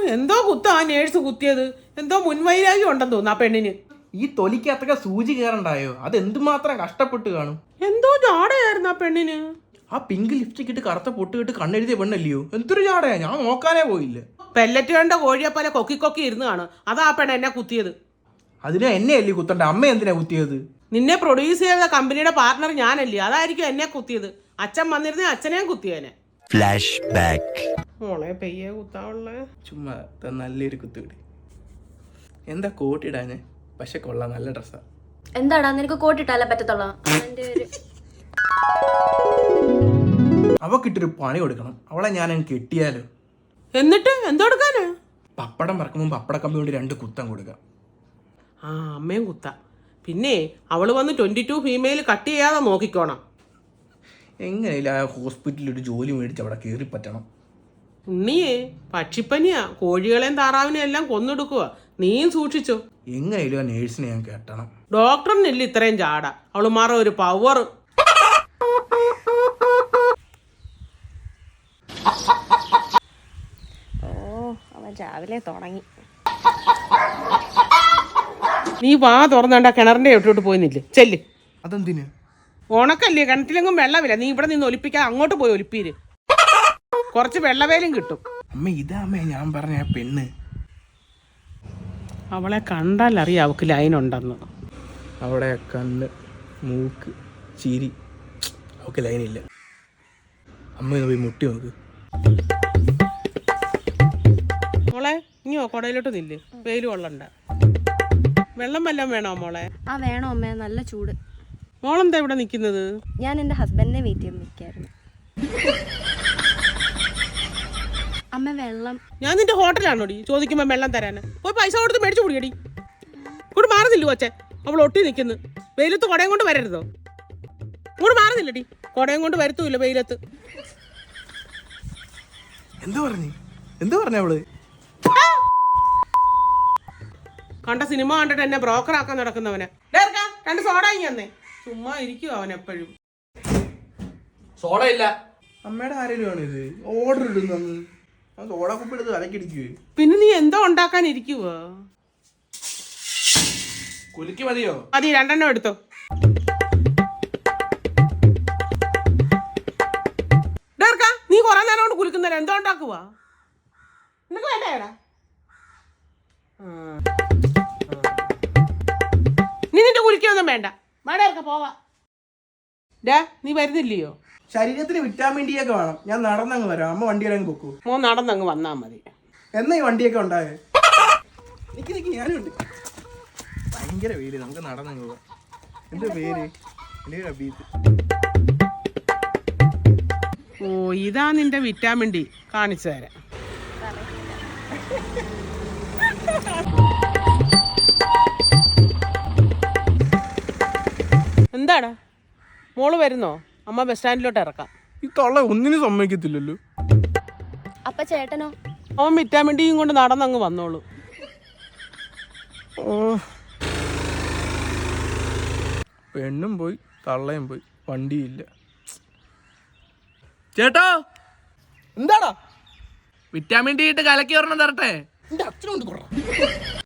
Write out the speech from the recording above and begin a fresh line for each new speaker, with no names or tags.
എന്തോ കുത്താ ആ നേഴ്സ് കുത്തിയത്? എന്തോ മുൻവൈരാഗ്യം ഉണ്ടെന്ന് തോന്നുന്നു ആ പെണ്ണിന്.
ഈ തൊലിക്കകത്തൊക്കെ സൂചി കയറണ്ടായോ? അത് എന്തുമാത്രം കഷ്ടപ്പെട്ട് കാണും.
എന്തോ ജാടയായിരുന്നു ആ പെണ്ണിന്.
ആ പിങ്ക് ലിപ്സ്റ്റിക് ഇട്ട് കറുത്ത പൊട്ടിട്ട് കണ്ണെഴുതിയ പെണ്ണല്ലയോ? എന്തൊരു ജാടയാ, ഞാൻ നോക്കാനേ പോയില്ല.
പെല്ലറ്റ് കണ്ട കോഴിയെ പോലെ കൊക്കി കൊക്കി ഇരുന്ന് കാണും. അതാ ആ പെണ്ണ് എന്നെ കുത്തിയത്.
അതിനെ എന്നെ അല്ലേ കുത്തണ്ട, അമ്മ എന്തിനാ കുത്തിയത്?
നിന്നെ പ്രൊഡ്യൂസ് ചെയ്ത കമ്പനിയുടെ പാർട്ണർ ഞാനല്ലേ, അതായിരിക്കും എന്നെ കുത്തിയത്. അച്ഛൻ വന്നിരുന്നേ അച്ഛനെയും കുത്തിയേനെ.
Flash back.
മോളെ പെയ്യെ കുത്താവുള്ള.
ചുമ്മാ നല്ലൊരു കുത്തുകിടി. എന്താ കോട്ടിടാന്? പക്ഷെ കൊള്ളാം, നല്ല ഡ്രസ്സാ.
എന്താടാ നിനക്ക് കോട്ടിട്ടാലേ പറ്റത്തുള്ളൂ.
അവക്കിട്ടൊരു പണി കൊടുക്കണം. അവളെ ഞാൻ കെട്ടിയാലോ?
എന്നിട്ട് എന്തോടുക്കാനാ?
പപ്പടം പറക്കുമ്പോൾ പപ്പടക്കമ്പി കൊണ്ട് 2 കുത്തം കൊടുക്കാം.
ആ അമ്മയും കുത്താം. പിന്നെ അവള് വന്ന് 22 ഫീമെയിൽ കട്ട് ചെയ്യാതെ നോക്കിക്കോണം.
എങ്ങനെയില്ല ആ ഹോസ്പിറ്റലിൽ ഒരു ജോലി മേടിച്ച് അവിടെ കയറി പറ്റണം.
ഉണ്ണിയേ പക്ഷിപ്പനിയാ, കോഴികളെയും താറാവിനെയും എല്ലാം കൊന്നെടുക്കുക. നീയും സൂക്ഷിച്ചോ.
എങ്ങനെയില്ല ആ നേഴ്സിനെ ഞാൻ കെട്ടണം.
ഡോക്ടറിനില്ല ഇത്രയും ചാട, അവള് മാറ ഒരു പവർ.
അവൻ രാവിലെ തുടങ്ങി.
നീ വാ തുറന്നണ്ട കിണറിന്റെ ഇട്ടോട്ട് പോയിന്നില്ലേ? ചെല്ല്.
അതെന്തിന്?
ഉണക്കല്ലേ, കിണറ്റിലെങ്കും വെള്ളമില്ല. നീ ഇവിടെ നിന്ന് ഒലിപ്പിക്കാൻ അങ്ങോട്ട് പോയി ഒലിപ്പീര്. കുറച്ച് വെള്ളവേലും കിട്ടും.
അമ്മ ഇതാ അമ്മ ഞാൻ പറഞ്ഞ ആ പെണ്ണ്.
അവളെ കണ്ടാൽ അറിയാം അവൾക്ക് ലൈൻ ഉണ്ടെന്ന്.
അവിടെ കണ്ണ്, മൂക്ക്, ചിരി, അവൾക്ക് ലൈനില്ല. അമ്മ പോയി മുട്ടി നോക്ക്.
മോളെ ഇനിയോ കുടയിലോട്ട് നില്ല്, വെയിൽ കൊള്ളണ്ട. വെള്ളം വല്ലതും വേണോ മോളെ?
ആ വേണോ അമ്മേ, നല്ല ചൂട്.
മോളെന്താ ഇവിടെ നിൽക്കുന്നത്?
ഞാൻ എൻ്റെ ഹസ്ബൻഡിനെ വെയിറ്റ് ചെയ്ത് നിൽക്കായിരുന്നു. അമ്മ വെള്ളം.
ഞാൻ നിന്റെ ഹോട്ടലാണോടി ചോദിക്കുമ്പോ വെള്ളം തരാന്? പോയി പൈസ കൊടുത്ത് മേടിച്ചു കുടിയടി. ഇങ്ങോട്ട് മാറുന്നില്ല കൊച്ചെ, അവൾ ഒട്ടി നിൽക്കുന്നു. വെയിലത്ത് കുടയും കൊണ്ട് വരരുതോ? ഇങ്ങോട്ട് മാറുന്നില്ലടി, കുടയും കൊണ്ട് വരുത്തൂല്ല വെയിലത്ത്.
എന്ത് പറഞ്ഞ അവള്?
കണ്ട സിനിമ കണ്ടിട്ട് എന്നെ ബ്രോക്കർ ആക്കാൻ നടക്കുന്നവനെ. 2 സോഡ ഇങ്ങനെ ചുമ്മാ ഇരിക്കും അവൻ എപ്പോഴും.
സോഡ ഇല്ല. അമ്മയുടെ ആരെങ്കിലും ആണ് ഇത് ഓർഡർ ഇടുന്നത്? സോഡ കുപ്പി എടുത്ത് അലക്കിടിക്കുക.
പിന്നെ നീ എന്തോ ഉണ്ടാക്കാൻ ഇരിക്കുവോ?
കുലുക്കി മതിയോ?
മതി, 2 എണ്ണം എടുത്തോ. നീ കുറെ നേരം കൊണ്ട് കുലുക്കുന്നേരം എന്തോ ഉണ്ടാക്കുവാ? നിനക്ക് വേണ്ടേടാ? നീ നിന്റെ കുലിക്കൊന്നും വേണ്ട. മഴയൊക്കെ പോവാ. നീ വരുന്നില്ലയോ?
ശരീരത്തിന് വിറ്റാമിൻ ഡി ഒക്കെ വേണം. ഞാൻ നടന്നങ്ങ് വരാം. അമ്മ വണ്ടിയിലങ്ങ് പൊക്കൂ.
മോൻ നടന്നങ്ങ് വന്നാ മതി.
എന്നാ ഈ വണ്ടിയൊക്കെ ഉണ്ടായേ? നിക്ക് ഞാനുണ്ട്. ഭയങ്കര പേര്, നമുക്ക് നടന്നങ്ങ് പോവാം. എന്ത് പേര്?
ഓ ഇതാ നിന്റെ വിറ്റാമിൻ ഡി, കാണിച്ചു തരാം. എന്താടാ മോള് വരുന്നോ? അമ്മ ബസ് സ്റ്റാൻഡിലോട്ട് ഇറക്കാം.
ഈ തള്ള ഒന്നിനും സമ്മതിക്കത്തില്ലല്ലോ.
അപ്പൊ ചേട്ടനോ?
അവൻ വിറ്റാമിൻ ഡിയും കൊണ്ട് നടന്നങ്ങ് വന്നോളൂ.
പെണ്ണും പോയി തള്ളയും പോയി, വണ്ടിയില്ല. ചേട്ടോ എന്താടാ? വിറ്റാമിൻ ഡി ഇട്ട് കലക്കി ഒരെണ്ണം തരട്ടെ? എന്റെ അച്ഛനോട്